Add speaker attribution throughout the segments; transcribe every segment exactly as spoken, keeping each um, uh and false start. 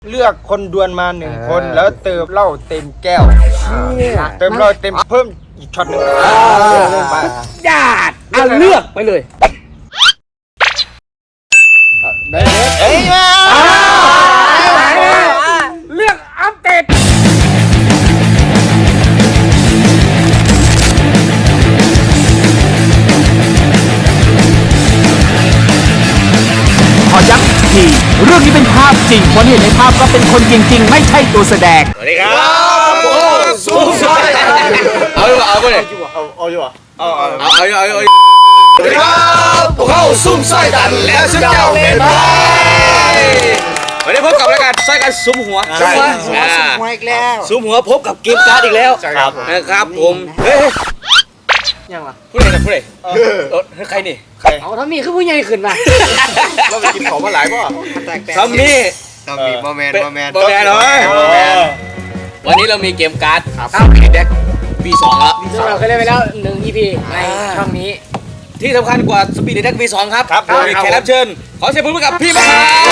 Speaker 1: เลือกคนดวลมาหนึ่งคนแล้วเติมเหล้าเต็มแก้วเติมเหล้าเต็มเพิ่มอีกช็อตหนึ่ง
Speaker 2: ญาติเอาเลือกไปเลย
Speaker 1: เฮ้ยมา
Speaker 2: เลือกอัปเดตขอย้ำอีกทีเรื่องนี้เป็นภาพจริงคนเห็นในภาพก็เป็นคนจริงๆไม่ใช่ตัวแสดง
Speaker 3: สวัสดีครับโอ้สู้เอาอยู่เอาไปเลย
Speaker 1: เอาเอาอยู่เอา
Speaker 3: เอาเอาเอาเอาเอาสวัสดีครับพวกเขาซุ่มไส้ดันแล้วฉันเจ้าเป็นไพ่วันนี้พบกับรายการไส้กันซุ่มหัวซุ่มหัวซุ่มหัวอีกแล้วซุ่มหัวพบกับเกมการ์ดอีกแล้วนะครับผมเฮ้ย
Speaker 2: ยังวะ
Speaker 3: ผู้ใดนะผู้ใดเออใครนี่
Speaker 2: ใครเอาทำนี่คือผู้ใหญ่ขึ้นมา
Speaker 1: เราไปกินของมาหลายป่ะ
Speaker 3: ทำนี่
Speaker 1: ทำนี่โมเมนต์โมเมนต์
Speaker 3: โมเมนต์เลยวันนี้เรามีเกมการ์ดครับเด็กวีสองแล้ว
Speaker 2: ซึ่งเราเคยเล่นไปแล้วหนึ่ง อี พี ในช่องนี้
Speaker 3: ที่สำคัญกว่าสปีดเด็กวีสองครับครับมีแขกรับเชิญขอเสียงปรบมือกับพี่มา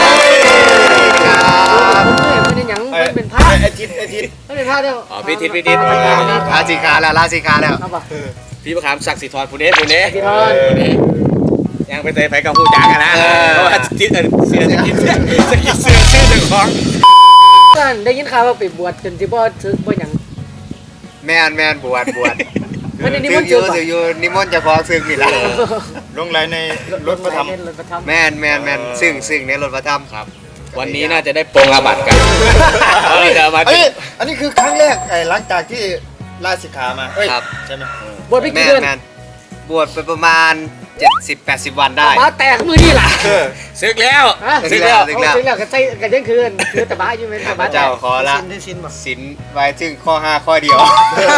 Speaker 2: ไม่ได้ยังมันเป็นภาพ
Speaker 1: ไอทิศไอทิศ
Speaker 2: ไม่เป็นภาพเดียว
Speaker 3: อ๋อพี่ทิศพี่ทิศ
Speaker 1: ลาสิกาแล้วลาสิกาแล้ว
Speaker 3: พี่ประคำศักดิ์สิทธิ์ทรผู้นี้ผู้นี้
Speaker 2: สิทร
Speaker 3: ยังไปเตะไปกับผู้จักกันนะเพราะว่าทิศเสือจะกินเสือจะกินเสือชื่อเจ้าของ
Speaker 2: ได้ยินข่าวว่าไปบวชจนที่บ่ถึงบ่ยัง
Speaker 1: แมนแมนบวชบวช
Speaker 2: มันนิมนต์
Speaker 1: เจออยู่นิมนต์จะขอซึ่งนี่แหละลงไหลในรถพระธรรมแมนแมนแมนซึ่งซึ่งในรถพระธรรม
Speaker 3: ครับวันนี้น่าจะได้ปรงอาบัติกัน
Speaker 1: อันนี้อันนี้คือครั้งแรกไอ้หลังจากที่ลาสิกขามา
Speaker 3: ครับ
Speaker 1: ใช่ไหม
Speaker 2: บวชไปกี่เดือน
Speaker 1: บวชไปประมาณเจ็ดสิบ แปดสิบวันได้
Speaker 2: มาแตกมือนี่ล่ะ
Speaker 3: ศึกแล้ว
Speaker 2: ศึกแล้วศึกแล้วศึกแล้วก็ใส่กันยังคืนคือตะบ้าอยู่มั้ยตะบ้า
Speaker 1: เจ้าขอละศีลไว้ถึงข้อห้าข้อเดียว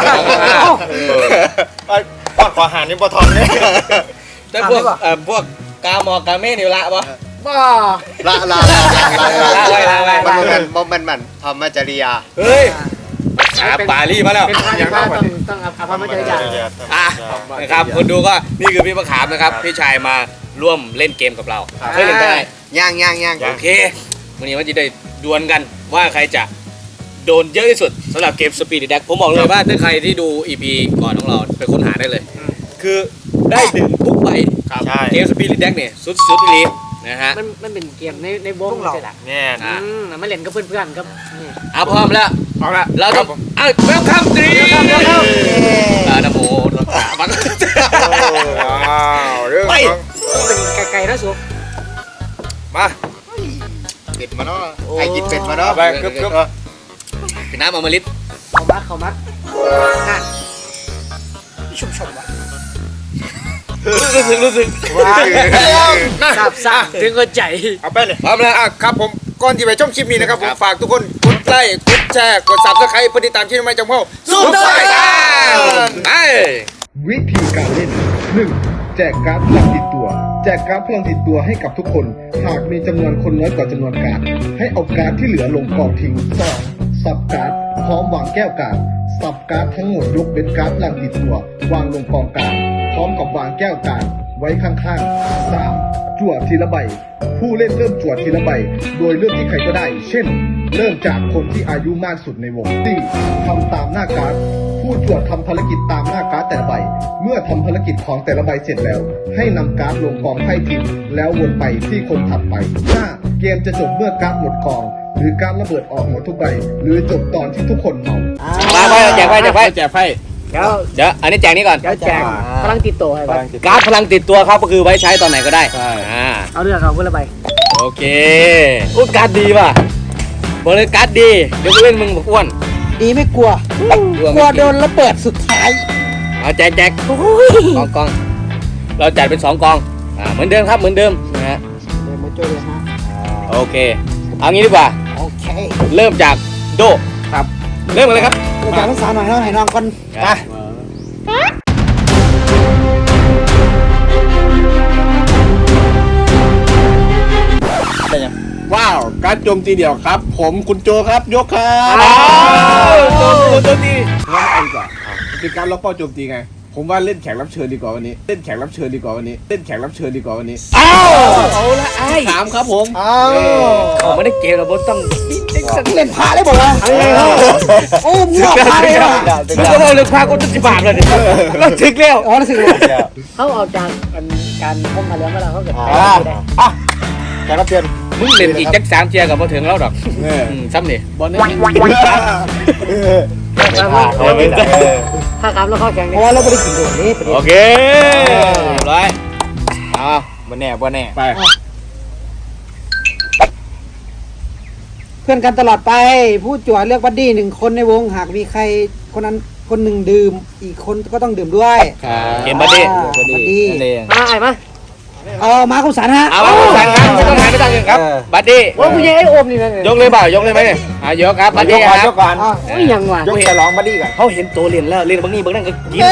Speaker 1: ข้อขอหานี่บ่ทอนเลย
Speaker 3: แต่พวกเอ่อพวกกาหมอกาเม่นี่ละบ่
Speaker 2: บ่
Speaker 1: ละละละละมันมันมันมันธรรมจริยา
Speaker 3: เฮ้ยภาษาบาลีมาแล้ว
Speaker 2: เป็นภาษาต้องต้องอภรรมจริยา
Speaker 3: อ่ะนะครับคนดูก็นี่คือพี่มะขามนะครับพี่ชายมาร่วมเล่นเกมกับเราเคยเล่นได้
Speaker 1: ย่างย่างย่าง
Speaker 3: โอเควันนี้มันจะได้ดวลกันว่าใครจะโดนเยอะที่สุดสำหรับเกมสปีดแดกผมบอกเลยว่าถ้าใครที่ดู อี พี ก่อนของเราไปค้นหาได้เลยคือได้ดึงทุกใบเกมสปีดแดกเนี่ยสุดสุดลีนะฮะ
Speaker 2: มันมันเป็นเกมในในวงใช่ไหม
Speaker 1: เนี่ย
Speaker 2: นะมาเล่นกับเพื่อนๆครับ
Speaker 3: อ่ะพร้อมแล้ว
Speaker 1: พร้อมแล้ว
Speaker 3: เราต้องอ่ะเวลคัมตรีอ่ะนะโมรักษาบัง
Speaker 1: ไป
Speaker 2: เป็นไก่ๆนะสุ
Speaker 1: มาเป็ดมาเนาะไก่กินเป็ดมาเนาะไปกึ๊บกึ๊บ
Speaker 3: เป็นน้ำอมฤต
Speaker 2: เขามัดเขามัดนั่นชุ่มฉ่ำว่ะ
Speaker 3: รู้สึกรู้สึก
Speaker 1: ว้าว
Speaker 2: สับสับถึงก็ใจ
Speaker 1: เอาไปเลยพร้อมแล้วอ่ะครับผมก่อนที่ไปชมคลิปนี้นะครับผมฝากทุกคนกดไลค์กดแชร์กดซับสไครป์เพื่อติดตามที่ไม่จำเข้าสู้ไปกันไป
Speaker 4: วิธีการเล่น หนึ่ง แจกการ์ดพลังติดตัวแจกการ์ดพลังติดตัวให้กับทุกคนหากมีจำนวนคนน้อยกว่าจำนวนการ์ดให้เอาการ์ดที่เหลือลงกองทิ้ง สอง สับการ์ดพร้อมวางแก้วการ์ดสับการ์ดทั้งหมดยกเป็นการ์ดพลังติดตัววางลงกองการ์ดพร้อมกับวางแก้วการ์ดไว้ข้างๆ สาม จั่วทีละใบผู้เล่นเริ่มจั่วทีละใบโดยเลือกที่ใครก็ได้เช่นเริ่มจากคนที่อายุมากสุดในวง สี่ ทำตามหน้าการ์ดผู้จั่วทำภารกิจตามหน้าการ์ดแต่ละใบเมื่อทำภารกิจของแต่ละใบเสร็จแล้วให้นำการ์ดลงกองไพ่ทิ้งแล้ววนไปที่คนถัดไป ห้า เกมจะจบเมื่อการ์ดหมดกองหรือการระเบิดออกหมดทุกใบหรือจบตอนที่ทุกคนเมา
Speaker 3: มาไปแจกไพ่แจกไพ่แจกไพ่
Speaker 2: เดี๋ยว
Speaker 3: เดี๋ยวอันนี้แจกนี้ก่อน
Speaker 2: เดี๋ยวแจกพลังติดตัวครับ
Speaker 3: การ์ดพลังติดตัวครับก็คือไว้ใช้ตอนไหนก็ได้
Speaker 2: เอาเรื่องเอาคนละใบ
Speaker 3: โอเคอุ้ยการ์ดดีป่ะบอกเลยการ์ดดีเดี๋ยวกูเล่นมึงบอกอ้วน
Speaker 2: ดีไม่กลัวกลัวโดนระเบิดสุดท้าย
Speaker 3: เอาแจกแจกกองกองเราจัดเป็นสองกองอ่าเหมือนเดิมครับเหมือนเดิมนะฮะ
Speaker 2: เดี๋ยวมาโจ้เลยฮะ
Speaker 3: โอเคเอางี้ดีกว่า
Speaker 2: โอเค
Speaker 3: เริ่มจากโด
Speaker 2: ครับ
Speaker 3: เริ่มกันเลยครับ
Speaker 2: เริ่มจากภาษาหน่อยเนาะให้น้องก่อน
Speaker 3: อ่ะ
Speaker 4: ว้าวการโจมตีเดี่ยวครับผมคุณโจครับยกครับ
Speaker 3: โจมตีโจมตี
Speaker 4: งั้นเอาดีกว่าเป็นการล็อกเป้าโจมตีไง
Speaker 5: ผมว่าเล่นแขกรับเชิญดีกว่าวันนี้ เล่นแขกรับเชิญดีกว่าวันนี้ เล่นแขกรับเชิญดีกว่าวันนี้
Speaker 3: อ้าวเอาละไอ้
Speaker 5: ถามครับผม
Speaker 1: อ้าว
Speaker 3: เขาไม่ได้เกมเราต้อง
Speaker 1: เล่นพาได้บอกว่าโอ้มึงบอกพาเลยอ่ะ
Speaker 3: มันก็เราเลือกพาก็จะสิบบาทเลยเราถึงแล้ว
Speaker 1: อ๋อนั่นสิ
Speaker 6: เขาออกจากการพบมาแล้วเมื่อเราเขาเกิด
Speaker 1: อ่าอ่ะแขกรับเชิญ
Speaker 3: มึงเล่นอีกจักสามเทียกับมาถึงแล้วดอก
Speaker 5: เออ
Speaker 3: อืมซ้ำนี่
Speaker 5: บอลนี่
Speaker 6: ถ้าครับแล้วเขาแข่ง
Speaker 1: เพราะว่าเราไม่ได้กินโดดนี่ประเด็น
Speaker 3: โอเคเรียบร้อยเอา
Speaker 1: บ่แน่บ่แน่
Speaker 5: ไป
Speaker 6: เพื่อนกันตลอดไปผู้จั่วเลือกบัดดี้หนึ่งคนในวงหากมีใครคนนั้นคนหนึ่งดื่มอีกคนก็ต้องดื่มด้วย
Speaker 3: เกมบัดดี้
Speaker 6: บัดดี้
Speaker 7: มาไอ้มา
Speaker 6: เอามาคุณสันฮะ
Speaker 3: เอามาคุณสันครับไม่ต้องหายไม่ต้องเงินครับบัดดี้
Speaker 7: ว่าผู้ใหญ่ไอ้โอมนี่นะ
Speaker 3: ยกเลยเปล่ายกเลยไหมเนี่ยอ่ะยกครับบัดดี้ครับ
Speaker 1: ยกก่อน
Speaker 6: อ้าว
Speaker 7: โอ้ยยังวะ
Speaker 1: ยกฉลองบัดดี้ก่อน
Speaker 3: เขาเห็นตัวเรียนแล้วเรียนบางนี่บางนั่นก็กิน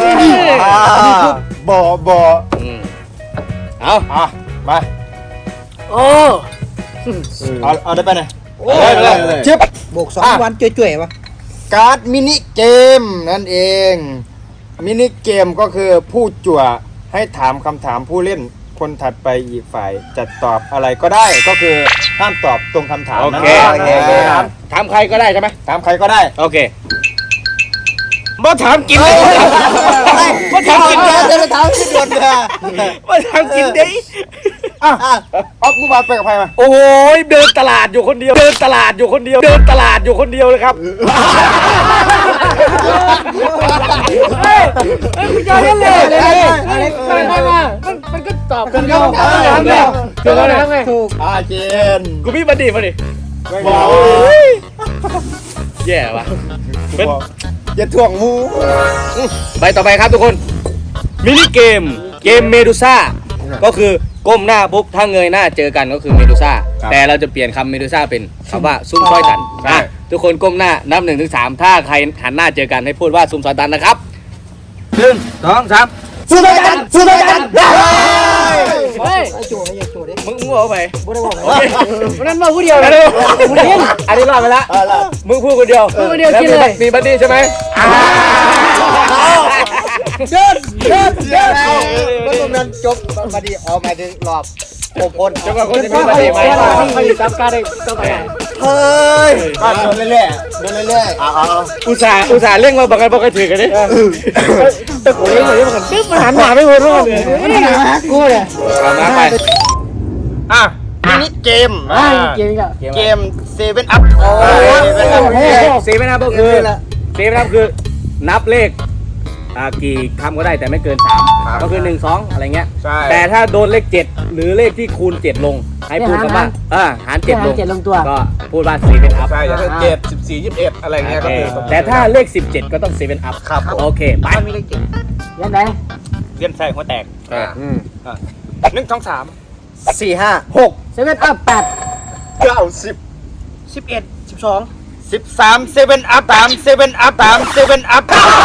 Speaker 1: บ่บ่
Speaker 3: อืมเอา
Speaker 1: อ่ะมา
Speaker 7: โอ้
Speaker 1: เอาเอาได้ไปไหน
Speaker 3: ได้ไปเลย
Speaker 1: จิ๊บ
Speaker 6: โบกสองวันจ่วยๆวะ
Speaker 1: การ์ดมินิเกมนั่นเอง มินิเกมก็คือผู้จั่วให้ถามคำถามผู้เล่นคนถัดไปอีกฝ่ายจะตอบอะไรก็ได้ก็คือห้ามตอบตรงคำถาม
Speaker 3: โอ
Speaker 1: นั้น
Speaker 3: เค
Speaker 1: โอเค
Speaker 3: ถามถามใครก็ได้ใช่ไหม
Speaker 1: ถามใครก็ได้
Speaker 3: โอเคมาถามกินเลยมาถามกินเลย
Speaker 1: จะมาถามที่ด่วนเลย
Speaker 3: มาถามกินดิ
Speaker 1: อ่ะอ่ะออฟมึงมาไปกับใครมา
Speaker 3: โอ้ยเดินตลาดอยู่คนเดียว เดินตลาดอยู่คนเดียว เดินตลาดอยู่คนเดียวเลยครับ
Speaker 7: เฮ้ยเฮ้ยผู้ใหญ่เล่นเลยเลยมามามามันมันก็ตอบกันแล้วถามแล้วถูกแล้วนะไง
Speaker 6: ถูก
Speaker 1: อาเจน
Speaker 3: กูมีบัดดี้มาดิ
Speaker 1: บอก
Speaker 3: แย่ว่ะเป็น
Speaker 1: อย่าถ่วงมู
Speaker 3: ใบต่อไปครับทุกคน มินิเกม เกมเมดูซ่า ก็คือก้มหน้าปุ๊บถ้าเงยหน้าเจอกันก็คือเมดูซ่า แต่เราจะเปลี่ยนคำเมดูซ่าเป็นคำว่าซุ่มซอยตันอ่ะทุกคนก้มหน้านับหนึ่งถึงสามถ้าใครหันหน้าเจอกันให้พูดว่าซุ่มซอยตันนะครับหนึ่งสองสาม
Speaker 1: สู้ด้วยกันสู้ด้วยกัน
Speaker 7: เฮ้ย
Speaker 6: ไอ้จั่วไอ้จั่วดิ
Speaker 3: มึงมึงเอาไป
Speaker 6: บ่ได้บอก
Speaker 3: โอเค
Speaker 7: วันนั้นมาผู้เดียวเลย
Speaker 3: อันนี้รอดไปแล้วมึงพูดคนเดียว
Speaker 7: พูดคนเดียวกินเลย
Speaker 3: มีบัดดี้ใช่ไหม
Speaker 1: เดินเดินเดินเมื่อตรงนั้นจบมาดีออกมาถึงรอบโอพน
Speaker 3: จนกว่าคนจะมีบัดดี้ไหม
Speaker 7: ไม่ได้จับการได้ก็ไป
Speaker 1: เฮ้ยก็โดนเรื่อยๆโดนเรื่อยๆเอาเอา
Speaker 3: อุตส่าห์อุตส่าห์เร่งมาบอกกันบอกกันถือกันดิแต่โอ้ยเลยมันตึ๊บมันหันหน้าไม่หมดเลย
Speaker 6: ไม่ได้หากูเลย
Speaker 3: เอามาไป
Speaker 1: อ่ะมินิเกม
Speaker 7: อ่าเก่งอ่ะ
Speaker 1: เกมเซเว่นอัพโอ้
Speaker 3: เซเว่นอัพก็คือเซเว่นอัพคือนับเลขอ่ากี่คำก็ได้แต่ไม่เกินสามก็คือหนึ่งสองอะไรเงี้ย
Speaker 1: ใช่
Speaker 3: แต่ถ้าโดนเลขเจ็ดหรือเลขที่คูณเจ็ดลงให้พูดคำว่าเออหารเจ็ดลง
Speaker 7: เจ็ดลงตัว
Speaker 3: ก็พูดว่าเซเว่นอัพ
Speaker 5: ใช่จะเป็นเจ็ดสิบสี่ยี่สิบเอ็ดอะไรเงี้ยก็คือ
Speaker 3: แต่ถ้าเลขสิบเจ็ดก็ต้องเซเว่นอัพครับโอเคไป
Speaker 7: ยังไง
Speaker 3: เลี่ยนใส่หัวแตก
Speaker 1: หนึ่งสองสามสี่ห้าหก
Speaker 7: เซเว่นอัพแปด
Speaker 1: เก้าสิบ
Speaker 7: สิบเอ็ดสิบสอง
Speaker 1: สิบสามเซเว่นอัพสามเซเว่นอัพสามเซเว่นอัพ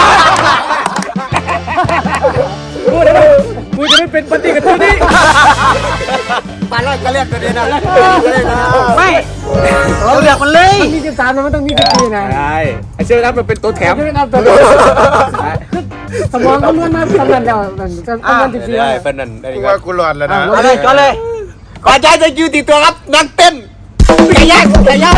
Speaker 3: พูดได้ไหมกูจะไม่เป็นปฏิกับตัวนี้
Speaker 1: มาแล้วก็เรียกตัวนี้นะ
Speaker 7: ไม่
Speaker 6: เราเลือกมันเลย
Speaker 7: มันมีสิบสามนะมันต้องมีสิบสี่นะ
Speaker 3: ใช่ไอเซเว่นอัพมันเป็นตัวแถม
Speaker 7: เซเว่นอัพตัวสมองก็ล้วนมาทำงานเดียวมันจะทำงานสิบสี่
Speaker 5: ได้เป็นนั่นได้
Speaker 1: กู
Speaker 5: ก็
Speaker 1: ว่ากูหลอดแล้วนะ
Speaker 6: เอาเลยก็เลย
Speaker 1: ขอใจจะยืนติดตัวครับนักเต้นไก่ย่างไก่ย่าง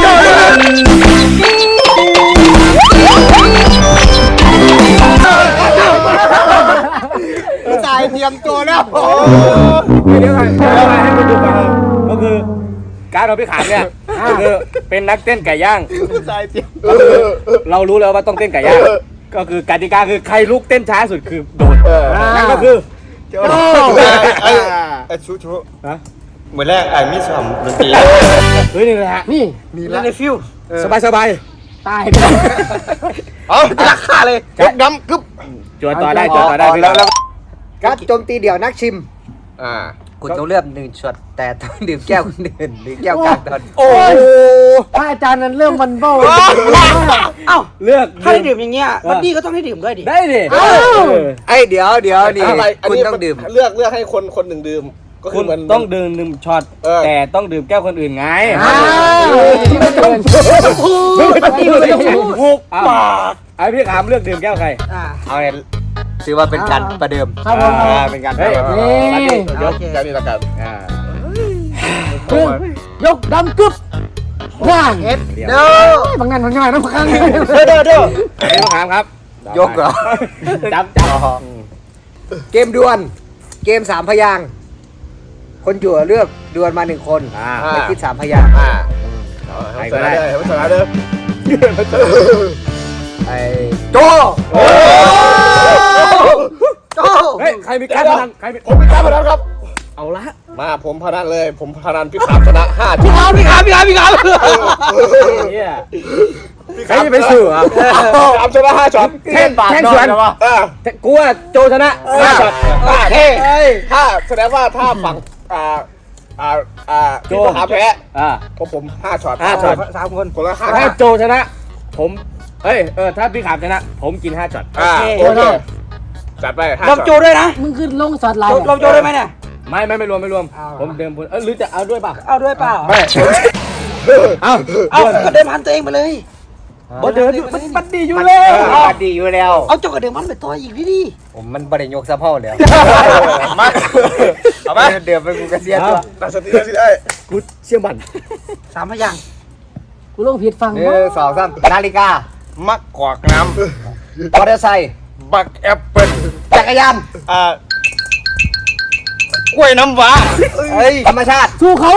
Speaker 1: สายเตรียมตัวแล้ว
Speaker 3: เดี๋ยวก่อนเดี๋ยวก่อนให้คุณดูก่อนก็คือการเราไปขายเนี่ยก็คือเป็นนักเต้นไก่ย่าง
Speaker 1: สายเตรียม
Speaker 3: เรารู้แล้วว่าต้องเต้นไก่ย่างก็คือกติกาคือใครลุกเต้นช้าสุดคือโดนนั่นก็คือ
Speaker 1: ไอ้ไอ้ชูชูเหมือนแรกไอ้มิสมดนตรี
Speaker 3: เฮ้ยนี่แหละ
Speaker 7: นี่
Speaker 1: นี่ละ
Speaker 7: ในฟิว
Speaker 3: สบายสบาย
Speaker 7: ตาย
Speaker 1: เอาราคาเลยกึบดำกึบ
Speaker 3: จวนต่อได้จวนต่อได้พี่
Speaker 1: แล้วแล้ว
Speaker 6: การโจมตีเดี่ยวนักชิม
Speaker 1: อ่า
Speaker 8: คุณต้องเลือกหนึ่งช็อตแต่ต้องดื่มแก้วคนอื่นหรือแก้วกลางตอน
Speaker 3: โอ้
Speaker 7: ถ้าอาจารย์นั้นเริ่มมันเบ้า
Speaker 6: เอ้า
Speaker 3: เลือก
Speaker 6: ถ้าได้ดื่มอย่างเงี้ยบัดดี้ก็ต้องให้ดื่มด้วยดิ
Speaker 3: ได้ดิ
Speaker 8: ไอ้เดี๋ยวเดี๋ยวนี่
Speaker 5: อะไรอัน
Speaker 8: คุณ
Speaker 5: นี้
Speaker 8: ต้องดื่ม
Speaker 5: เลือกเลือกให้คนคนหนึ่งดื่มก็คื
Speaker 3: คุ
Speaker 5: อ
Speaker 3: ณ
Speaker 5: มัน
Speaker 3: ต้องดื่มหนึ่งช็อต
Speaker 5: เออ
Speaker 3: แต่ต้องดื่มแก้วคนอื่นไง
Speaker 7: ที่ไม่เกิน
Speaker 3: หกปากไอพี่ขามเลือกดื่มแก้วใคร
Speaker 6: อ่า
Speaker 3: เอาเนี่ย
Speaker 8: ถือว่าเป็นการประเดิม
Speaker 6: ครับผม
Speaker 1: อ่าเป็นการ
Speaker 7: เฮ้ย
Speaker 1: ทำ
Speaker 7: นี่
Speaker 5: ยกการนี้ละกัน
Speaker 1: อ่า
Speaker 7: คือยกดำกึบว่าง
Speaker 8: เอ็ดเด้อบ
Speaker 7: างนั้นบางอย่างน้ำค้าง
Speaker 1: เด้อเด้อเด้อ
Speaker 3: เป็นคำถามครับ
Speaker 8: ยกเหรอ
Speaker 3: จับจับ
Speaker 8: เกมดวลเกมสามพยางค์คนจั่วเลือกดวลมาหนึ่งคน
Speaker 3: อ่า
Speaker 8: ไม่คิดสามพยางค์
Speaker 5: อ่าให้ชนะเลยให้ชนะเลย
Speaker 8: ไอ้โจโจ
Speaker 3: เฮ้ยใครมีการพนันใครมี
Speaker 5: ผมเป็นการพนันครับ
Speaker 3: เอาละ
Speaker 5: มาผมพนันเลย ผมพนันพี่ขามชนะห้าที
Speaker 3: พี่ขามพี่ขามพี่ขามพี่ขามเนี่ยใครจะไปสื่ออ่ะ
Speaker 5: ขามชนะห้าช็อต
Speaker 3: แท่งแท่งสวน
Speaker 5: เออ
Speaker 3: กูว่าโจชนะห้าช็อต
Speaker 5: ถ้าถ้าแสดงว่าถ้าฝั่งอ่าอ่าอ่าพี่ขามแพ้
Speaker 3: อ่า
Speaker 5: เพราะผมห้าช็อต
Speaker 3: ห้าช็อต
Speaker 8: สามคน
Speaker 5: คนละห้า
Speaker 3: ถ้าโจชนะ ผมเอ้ยเออถ้าพี่ขามชนะ ผมกินห้าช็อต
Speaker 5: อ่าโอเคจัดไปห้า
Speaker 8: ล
Speaker 5: ช็
Speaker 8: ม
Speaker 5: อต
Speaker 8: โจด้วยนะ
Speaker 6: มึงขึ้นลงสอดลาย
Speaker 8: ลมโจได้ไหมเนี่ย
Speaker 3: ไม่ไม่ไม่รวมไม่รวม ผมเดิมพลเออหรือจะเอาด้วยป่ะ
Speaker 8: เอาด้วยเปล่า
Speaker 3: ไม่เอา
Speaker 8: เอาก็เดิมพันตัวเองไปเลย
Speaker 3: บ่เดินอยู่มันมันดีอยู่
Speaker 8: มัน
Speaker 3: แล้ว
Speaker 8: มันดีอยู่แล้ว เอาเจ้าก็เดิมพันไปตัวอีกพี่ดิผมมันบริยกสะเพาเลย
Speaker 5: มาเอาไหม
Speaker 8: เดิมไปกูกระเสียตัว
Speaker 5: ตั้งสติตั้งสติได้
Speaker 3: กูเชื่อมัน
Speaker 8: สามพยางค์
Speaker 6: กูลงผิดฟัง
Speaker 8: หนึ่งสองสามนาฬิกา
Speaker 1: มักกอกน้
Speaker 8: มอเตอร์ไซค์
Speaker 1: ำบักแอปเปิ้ล
Speaker 8: จักรยาน
Speaker 1: อ่ากล้วยน้ำว้า
Speaker 8: เฮ้ยธรรมชาติ
Speaker 6: สู้เขา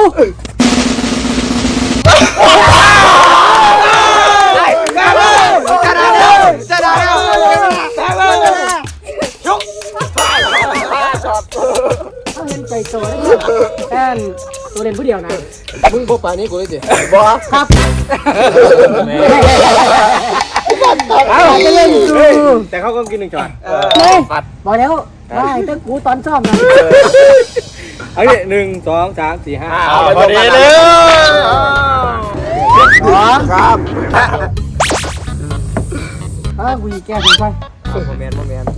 Speaker 8: ชนะแล้วชนะแล้วชนะแล้ว
Speaker 6: ถ้าเห็นใจโตได้แค่ตัวเล่นผู้เดียวนะ
Speaker 7: มึงพบป่านี้กูเลยสิ
Speaker 6: ครับ
Speaker 3: เอาไปเล่นดูแต่เขาก็กินหนึ่งช็อต
Speaker 6: เลยบอกแล้วได้ตั้งกูตอนซ่อมนะ
Speaker 3: เอาดิหนึ่งสองสามสี่ห้า
Speaker 1: เอาพอดีเลย
Speaker 5: ครับ
Speaker 6: อ่ากูแก้ถึงไป
Speaker 8: โมเมนต์โมเมนต์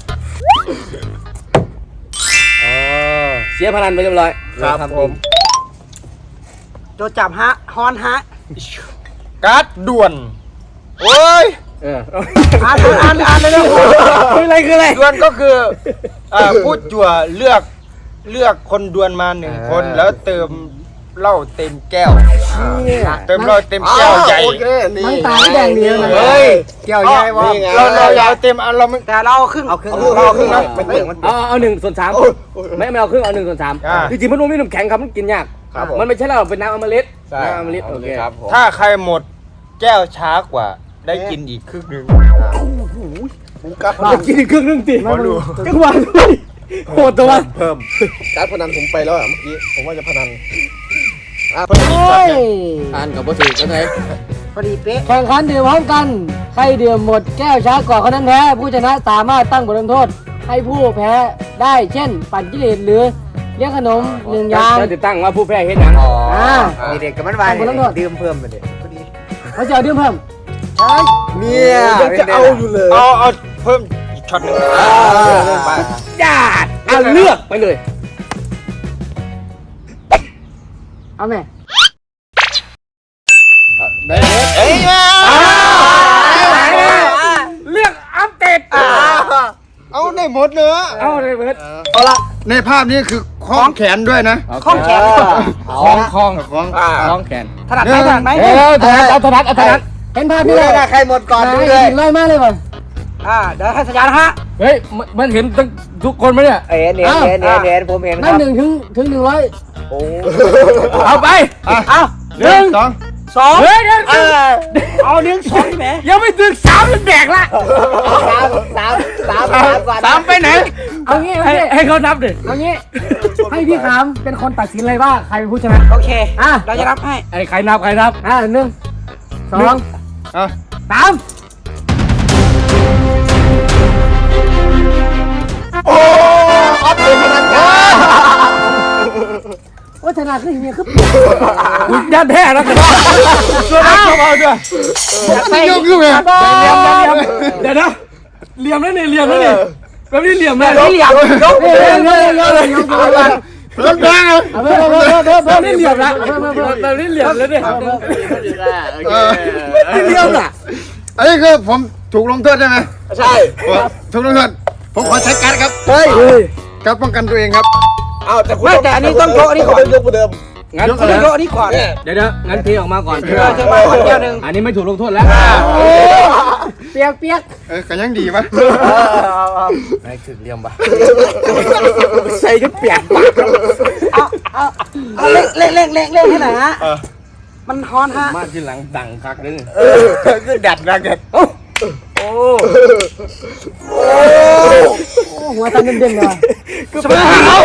Speaker 3: เสียพนันไปเรียบร้อย
Speaker 5: ครับผม
Speaker 8: โจจับฮะฮอนฮะ
Speaker 1: การ์ดด่วน โอ้ย
Speaker 3: เออ
Speaker 8: อ่านอ่านอ่านเลยเร็ว
Speaker 3: คืออะไรคืออะไร
Speaker 1: ด่วนก็คืออ่าผู้จั่วเลือกเลือกคนด่วนมาหนึ่งคนแล้วเติมเหล้าเต็มแก้ว เติมเหล้าเต็มแก้วใหญ่
Speaker 5: โอเคนี่
Speaker 6: น้ำตาแดงเดียวนะ
Speaker 1: เฮ้ย
Speaker 8: เกี่ยวใหญ่วะ
Speaker 5: นี่ไง
Speaker 1: เราเราอย่าเอาเต็มเอาเราไม่
Speaker 8: แต่เราครึ่งเอาครึ่งเอาครึ่งนะมันเปลือกมัน
Speaker 3: เอาเอาหนึ่งส่วนสามไม่ไม่เอาครึ่งเอาหนึ่งส่วนสาม
Speaker 1: อ่า
Speaker 3: จริงๆมันไม่มีน้ำแข็งครับมันกินยาก
Speaker 5: ครับผม
Speaker 3: มันไม่ใช่เหล้าเป็นน้ำอมฤต
Speaker 5: ใช่
Speaker 3: น้ำอมฤตโอเค
Speaker 5: ครับผม
Speaker 1: ถ้าใครหมดแก้วช้ากว่าได้กินอีกครึ่งหนึ่ง
Speaker 5: ผมกัดพ
Speaker 3: จะ
Speaker 5: นัน
Speaker 3: กินอีกครึ่งหนึงติ
Speaker 1: มาดู
Speaker 3: จังหวะด้วยโหดตัว
Speaker 5: เพิ่มการพนันผมไปแล้วอ่ะเมื่อกี้ผมว่าจะพนันอ่ะ
Speaker 6: โอ้ย
Speaker 3: อ่านกับบ่ถือกันไหน
Speaker 8: พอดีเป๊ะ
Speaker 6: แข่งขันดื่มพร้อมกัน ใครดื่มหมดแก้วช้าก่อนคนนั้นแพ้ ผู้ชนะสามารถตั้งบทลงโทษ ให้ผู้แพ้ได้เช่น ปั่นกิเลสหรือเลี้ยงขนมหนึ่งอย่าง
Speaker 3: จะติดตั้งว่าผู้แพ้เห็นหยัง
Speaker 8: อ๋อ
Speaker 6: อ่า
Speaker 8: มีเด็กกับมันวายดื่มเพิ่มไปเด็กพอดี
Speaker 6: เขาจะเอาดื่มเพิ่ม
Speaker 8: เนี่ย
Speaker 5: จะเอาอยู่เลย
Speaker 1: เอาเอาเพิ่มอีกช็อตหนึ่ง
Speaker 3: ญาติอ่ะเลือกไปเลย
Speaker 6: เอาไหม
Speaker 3: ได้
Speaker 1: เอ้ยมา
Speaker 3: เลือกอัปเดต
Speaker 1: เอาได้หมดเนื้อ
Speaker 3: เอาเลยเบิร์ด
Speaker 1: เอาละในภาพนี้คือคล้องแขนด้วยนะ
Speaker 8: ข้องแขน
Speaker 1: คล้องคล้องคล้อง
Speaker 5: อ่า
Speaker 3: คล้องแขน
Speaker 8: ถนัดไหมถนัดไหม
Speaker 3: เออถนัดเอาถนัดเอาถนัด
Speaker 6: เห็นภาพ
Speaker 8: ดู
Speaker 6: นี้
Speaker 8: เล
Speaker 6: เลย ย
Speaker 8: นะใครหมดก่อนดูเลย
Speaker 6: ไล่มากเลยว่ะ
Speaker 8: อ่าเดี๋ยวให้สัญญาณฮะ
Speaker 3: เฮ้ยมันมันเห็นตั้งทุกคนไหมเนี่ย
Speaker 8: เอ็นเอ็นเอ็นเอ็นเอ็นผมเห็นค
Speaker 6: นั่
Speaker 8: รั
Speaker 6: น
Speaker 8: บ
Speaker 6: หนึ่งถึงถึงหนึ่งร้อย
Speaker 8: โอ้
Speaker 3: เอาไป
Speaker 8: เอา
Speaker 1: หนึ่งสอง
Speaker 8: สอง
Speaker 3: เฮ้ยเดี๋ยว
Speaker 8: เออเอาหนึ่งสองใช่ไหม
Speaker 3: ยังไม่ถึงสามมันแดกละ
Speaker 8: สามสามสามสามก่อน
Speaker 3: สามไปไหน
Speaker 6: เอางี้เอา
Speaker 3: ให้
Speaker 6: งี้
Speaker 3: ให้เขานับดิ
Speaker 6: เอางี้ให้พี่ขามเป็นคนตัดสินเลยว่าใครเป็นผู้ชนะ
Speaker 8: โอเค
Speaker 6: อ่ะ
Speaker 8: เราจะรับให้
Speaker 3: ไอ้ใครนับใครนับ
Speaker 6: อ่ะหนึ่งสอง
Speaker 1: อ่ะ
Speaker 6: สาม
Speaker 5: โอ้ออฟเป็นพนันกัน
Speaker 6: โอ้ชนะขึ้นเฮียขึ้น
Speaker 3: อุ้ยยันแท้แล้วกันช่วยได้ช่วยเอาด้วย
Speaker 6: ไปยกขึ้นไป
Speaker 3: เหลี่ยมเหลี่ยมเดี๋ยวนะเหลี่ยมแล้วนี่เหลี่ยมแล้วนี่แบบนี้เหลี่ยมเลย
Speaker 8: เหลี่ยมยก
Speaker 6: เฮ้ยเฮ้ยเฮ้ยเฮ้ยยกยกยก
Speaker 1: รถแดงอ่ะ
Speaker 6: เอาเพิ่มเพิ่มเพิ่มเพิ่ม
Speaker 3: แบ
Speaker 6: เพิ่
Speaker 3: บ
Speaker 6: ม
Speaker 3: นี้เหลี่ยมละแบบนี้เหลี่ยมแล้วเนี่ย
Speaker 1: เออ
Speaker 3: เหลี่ยมอ่ะ
Speaker 1: อันนี้คือผมถูกลงโทษใช่ไหม
Speaker 5: ใช่
Speaker 1: ถูกลงโทษผผมขอใช้การดครับ
Speaker 5: เฮ้ย
Speaker 1: การดป้องกันตัวเองครับ
Speaker 5: เอาแต่คุณ
Speaker 8: ไม่แต่อันนี้ต้องโชว์อันนี้ก่อน
Speaker 5: ยกประเดิม
Speaker 7: งั้น
Speaker 8: เขาต้องโชว์อันนี้ก่อน
Speaker 7: เดี๋ยวเดี๋ยวงั้นเทออกมาก่อน
Speaker 8: เออเทมาก่อนแก้วหนึ่ง
Speaker 7: อันนี้ไม่ถูกลงโทษแล้ว
Speaker 6: เปียกเปียก
Speaker 1: เออก็ยังดีปะ
Speaker 5: ไม่ถึงเรียมปะ
Speaker 8: ใส่ก็เปียกปากเอาเอาเอาเล่งเล่งเล่งเล่งเล่งให้หน่อยฮะมันฮอนฮะ
Speaker 7: มาที่หลังดังคักนึง
Speaker 5: คือดัดนะแก
Speaker 6: โอ้หัวตันเด่นๆเลย
Speaker 8: เสมอหักเอา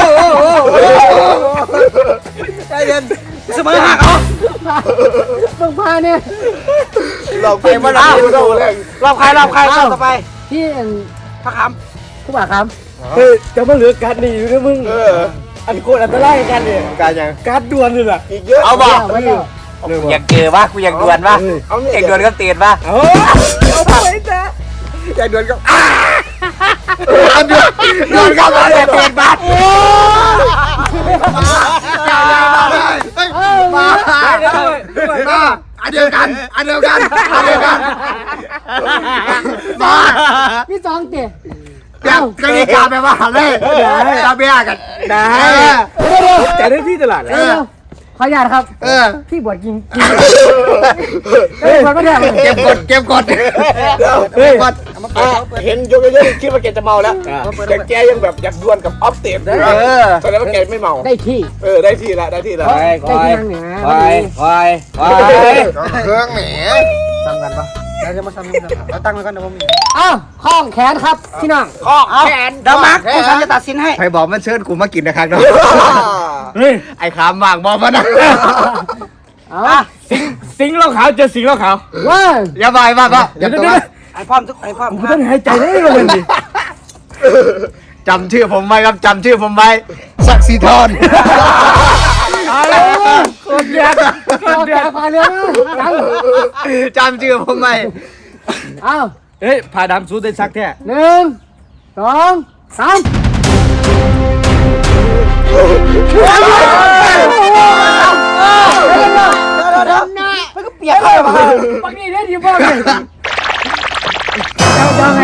Speaker 8: ใจเย็นเสมอหักเอา
Speaker 6: เบิ่งพาเนี่ย
Speaker 5: เราไปมาแล้วเราแรง
Speaker 8: รอบใครรอบใครรอบต่อไป
Speaker 6: ที่
Speaker 8: พระค
Speaker 6: ผู้บ่าครับ
Speaker 7: เฮ้ยจะมาเหลือการนี่อยู่นะมึง
Speaker 5: เออ
Speaker 7: อันโคตรอันตรายกันเนี่ย
Speaker 5: การยัง
Speaker 7: การดวลเลยล่ะ
Speaker 5: อีกเยอะ
Speaker 8: เอาบ่
Speaker 6: ไว้แล้ว
Speaker 8: อยากเจอป่ะกูอยากดวลป่ะ
Speaker 5: เอาเนี่ย
Speaker 8: อยากดวลก็เตียนป่ะ
Speaker 7: เอาเอาไปจ้ะ
Speaker 5: ใจเดือนก็
Speaker 8: ดวลก็มาเตียนป่ะ
Speaker 6: มา
Speaker 1: มาอันเดียวกันอันเดียวกันอันเดียวกันมา
Speaker 6: พี่สองเตะ
Speaker 1: เดี๋ยวกติกาแปลว่าอะไรตาเบียกันได้
Speaker 7: แต่ได้ที่ตลาดแล้ว
Speaker 6: เดี๋ยวขออนุญาตครับ
Speaker 1: เออ
Speaker 6: พี่บวชกินกินเฮ้ยมันก็ได้
Speaker 1: เก็บกดเก็บกด
Speaker 7: เฮ้ย
Speaker 5: เห็นยกเยอะๆคิดว่าแกจะเมาแล้วแต่แกยังแบบอยากดวลกับออฟเต็มแสดงว่าแกไม่เมา
Speaker 6: ได้ที่
Speaker 5: เออได้ที่ละได้ที่ละ
Speaker 7: ไป
Speaker 6: ได้ที่นั่งเนี่ย
Speaker 7: ไปไปไป
Speaker 1: เครื่องแหม
Speaker 8: ทำกันป่ะเราจะมาทำกันเอาตั้งไว้ก่อนเดี๋ยวผมมี
Speaker 6: อ้าวข้องแขนครับพี่น้อง
Speaker 8: ข้อแขนเดี๋ยวมาร์คผู้ชายจะตัดสินให้
Speaker 1: ใครบอกมันเชิญกูมากินนะครับเนาะ
Speaker 7: เฮ้ย
Speaker 1: ไอ้ขามบางบอกมันนะ
Speaker 6: เอา
Speaker 7: สิงสิงเหล้าขาวเจอสิงเหล้าขาว
Speaker 6: ว่า
Speaker 1: อย่าบายบ้าบ้าอ
Speaker 7: เดี๋ย
Speaker 1: ย่าว ตั
Speaker 7: เดี๋ยว ว
Speaker 8: ไอ้พร้อมทุกไอ้พร้อม
Speaker 7: ผมต้องหายใจได้เลยดิ
Speaker 1: จำชื่อผมไว้ครับจำชื่อผมไว้ศักดิ์ศรีทร
Speaker 7: โคตรยาก
Speaker 6: ข้องแขนพาเรือนะ
Speaker 1: จำชื่อผมไว้
Speaker 6: อ้าว
Speaker 7: เฮ้ยผ่าดำสู้ได้ซักแท้
Speaker 6: หนึ่งสองสาม
Speaker 8: มันก็เปียกเลยป่ะ
Speaker 6: ปักนี่ได้ดีบ้างเลยเจ้าไง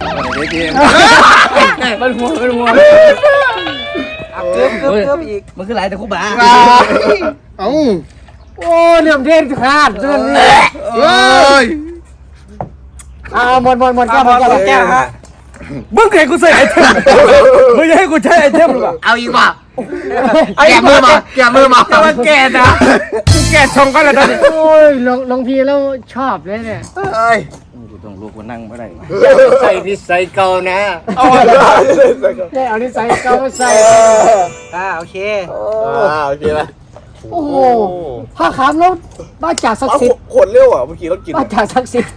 Speaker 7: มันหัวมันหัว
Speaker 8: เกือบเกือบเกือบอีก
Speaker 7: มันคือหลายแต่คู่บ้า
Speaker 1: เอ้า
Speaker 6: โอ้เหลี่ยมเทนขาดเรื่องนี้
Speaker 1: เฮ้ย
Speaker 6: อ้าวหมดหมดหมด
Speaker 8: แก้
Speaker 6: แก้
Speaker 8: ว
Speaker 6: วหมดแก้ว
Speaker 8: แก้วฮะ
Speaker 7: มึงใครกูใส่ไอเทมมึงจะให้กูใช้ไอเทมหรือเปล่า
Speaker 1: เอาอีกว่ะแกะมือมาแกะมือมา
Speaker 7: แต่ว่าแกนะกูแกชงก็แล้วตอนนี้
Speaker 6: โอ้ยลงลงพีแล้วชอบเลยเนี่ย
Speaker 1: เอ้ย
Speaker 7: กูต้องลุกมานั่งไม่ได้
Speaker 1: ใส่นิสัยเก่านะ
Speaker 5: เอาเลย
Speaker 6: ได้เอานิสัยเก่ามาใส่
Speaker 8: อ่าโอเค
Speaker 5: อ่าโอเคละ
Speaker 6: โอ้โหผ้าขาวแล้วบ้าจ่าศัก
Speaker 5: เอา
Speaker 6: ดิ์สิทธิ์
Speaker 5: ขวดเร็วอ่ะเมื่อกี้เรากิน
Speaker 6: บ้าจ่าศักดิ์สิทธิ์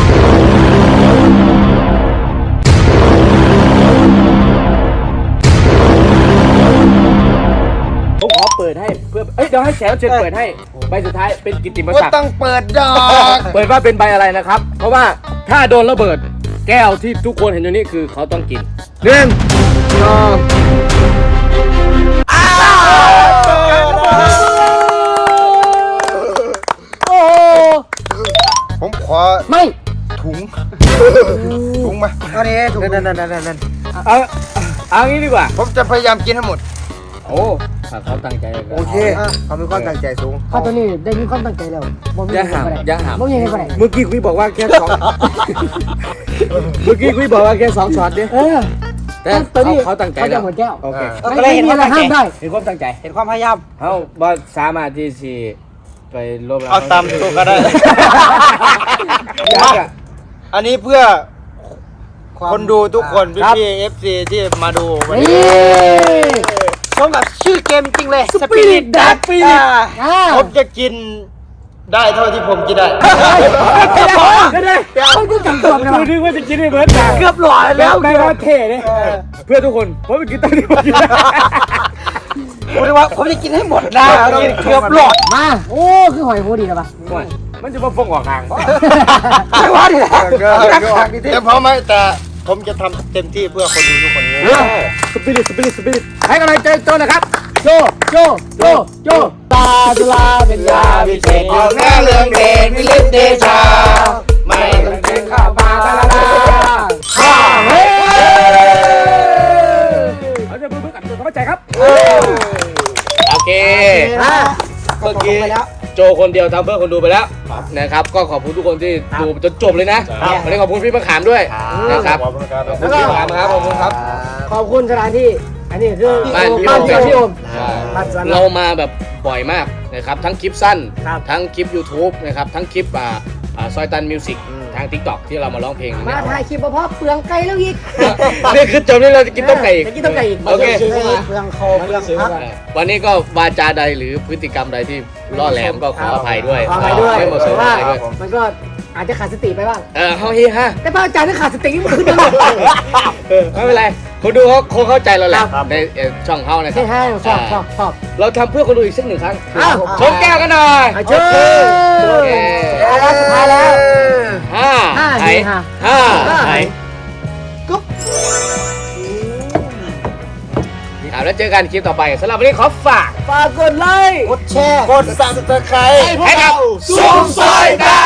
Speaker 7: ผมขอเปิดให้เพื่อเอ้ยเดี๋ยวให้แขกรับเชิญเปิดให้ใบสุดท้ายเป็นกิตติม
Speaker 1: ก็
Speaker 7: ศักดิ์
Speaker 1: ต้องเปิดดอก
Speaker 7: เปิดว่าเป็นใบอะไรนะครับ เพราะว่าถ้าโดนระเบิดแก้วที่ทุกคนเห็นอยู่นี่คือเขาต้องกิน
Speaker 1: หนึ่งสอง
Speaker 6: โอ้โห
Speaker 1: ผมขอ
Speaker 6: ไม่
Speaker 1: ถุงถุงมา
Speaker 8: เอานี้ถูกนั่นนั่นนั่นนั่น
Speaker 7: เอาเอางี้ดีกว่า
Speaker 1: ผมจะพยายามกินให้หมด
Speaker 7: โอ้ถ้าเขาตั้งใจก็
Speaker 1: โอเคเขามีความตั้งใจสูง
Speaker 6: ข้าตัวนี้ได้มีความตั้งใจแล้วบ่มี
Speaker 7: อย่าหาม
Speaker 6: อะไร
Speaker 7: อย่าหาม
Speaker 6: บ่มีอะไร
Speaker 7: เมื่อกี้คุยบอกว่าแค่สองเมื่อกี้คุยบอกว่าแค่สองช็อตเนี่ย
Speaker 6: เออ
Speaker 7: แต่
Speaker 6: ตัวนี้
Speaker 7: เขาตั้งใจ
Speaker 6: เขา
Speaker 7: แล้
Speaker 6: จะ
Speaker 7: ว
Speaker 6: หมดแก้ว
Speaker 7: โอเค
Speaker 6: ไม่ไม่มีอะไรห้ามได้
Speaker 7: เห็นความตั้งใจ
Speaker 8: เห็นความพยายาม
Speaker 7: เขาบอสามารถที่สิไปลบล้าง
Speaker 1: เอาตามตัวก็ได้
Speaker 7: อยากอะ
Speaker 1: อันนี้เพื่อคนดูทุกคนพี่พี่เอฟซีที่มาดูวัน
Speaker 6: นี่
Speaker 1: นี้
Speaker 8: สมกับชื่อเกมจริงเลย
Speaker 7: สปิริตดักสปิริต
Speaker 6: อ่า
Speaker 1: ผมจะกินได้เท่าที่ผมกินได้
Speaker 7: เดี๋ยวเดี๋ยวเดี๋ยว
Speaker 6: เขาจะจับตัวกัน
Speaker 7: กูนึกว่าจะกินให้เบิร์ดด่า
Speaker 8: เกือบหล่อแล้ว
Speaker 7: ได้ว่าเท่เลยเพื่อทุกคนผมไปกินตั้งที่ผมกินได้
Speaker 8: ผมเลยว่าผมจะกินให้หมดนะเกือบหลอด
Speaker 6: มาโอ้คือหอยโหดีแล้วปะ
Speaker 7: มันจะมาฟงออกห่าง
Speaker 8: ไม่ว่าดิแหละ
Speaker 1: แต่พร้อมไหมแต่ผมจะทำเต็มที่เพื่อคนดูทุกคน
Speaker 7: สปิริตสปิริตสปิริตให้กำลังใจโจนะครับ
Speaker 6: โจโจโจโจตาจุฬาเป็นยาวิเศษ
Speaker 1: ออกหน้าเรื่องเดชวิลิตเดชา ไม่ต้องเก่งข้าวปลาตาลา
Speaker 6: ข้าเฮ้ย
Speaker 8: อ่ะ
Speaker 3: เมื่อกี้
Speaker 8: ไปแล้ว
Speaker 3: โจคนเดียวทำเพื่อคนดูไปแล้วนะครับก็ขอบคุณทุกคนที่ดูจนจบเลยนะวันนี้ขอบคุณพี่มะขามด้วยนะครับขอบคุณพี่มะขามครับขอบคุณครับ
Speaker 6: ขอบคุณสถานที่ อันนี้คือ
Speaker 3: บ้านพี่
Speaker 6: บ้าน
Speaker 3: โอม
Speaker 6: เกิดพี่โอม
Speaker 3: เรามาแบบบ่อยมากนะครับทั้งคลิปสั้น
Speaker 6: ครับ
Speaker 3: ทั้งคลิป YouTube นะครับทั้งคลิปอ่าอ่าซอยตันมิวสิกทาง TikTok ที่เรามาร้องเพลง
Speaker 6: มาถ่ายคลิปมาเพราะเปลืองไก่แล้วอีก
Speaker 3: นี่คือจบนี่เราจะกินต้มไก่อีก
Speaker 6: จะกินต้มไก่อีก
Speaker 3: โอเค
Speaker 8: เปลืองคอเปลืองพัก
Speaker 3: วันนี้ก็วาจาใดหรือพฤติกรรมใดที่ล่อแหลมก็ขออภัยด้วย
Speaker 6: ขออภัยด้วย
Speaker 3: ไม่เหมาะสม
Speaker 6: เพราะว่า
Speaker 3: อะไรด้วย
Speaker 6: มันก็อาจจะขาดสติไปบ้าง
Speaker 3: เออเฮาเฮีฮะ
Speaker 6: แต่พระอาจารย์ถ้าขาดสตินี่มันขึ้นมา
Speaker 3: เออไม่เป็นไรคนดูเขาคงเข้าใจเราแหละ
Speaker 6: ครับ
Speaker 3: ในเอ่อช่องเฮานะครั
Speaker 6: ใช่ใช่ชอบชอบชอบ
Speaker 3: เราทำเพื่อคนดูอีกสักหนึ่งครั้ง
Speaker 6: อ้าว
Speaker 3: ชนแก้วกันหน่อย
Speaker 6: อ่ะเชิญ
Speaker 3: โอเค
Speaker 6: เอาละสุดท้ายแล้ว
Speaker 3: ห้า
Speaker 6: ห้า
Speaker 3: ไหน
Speaker 6: นี่ค่ะ
Speaker 3: ห้า
Speaker 6: ห้า
Speaker 3: ไหนครับแล้วเจอกันคลิปต่อไปสำหรับวันนี้ขอฝาก
Speaker 6: ฝากกดไลค์
Speaker 8: กดแชร์
Speaker 5: กดสั่นตะไคร้
Speaker 3: ให้กับซุปซอยดา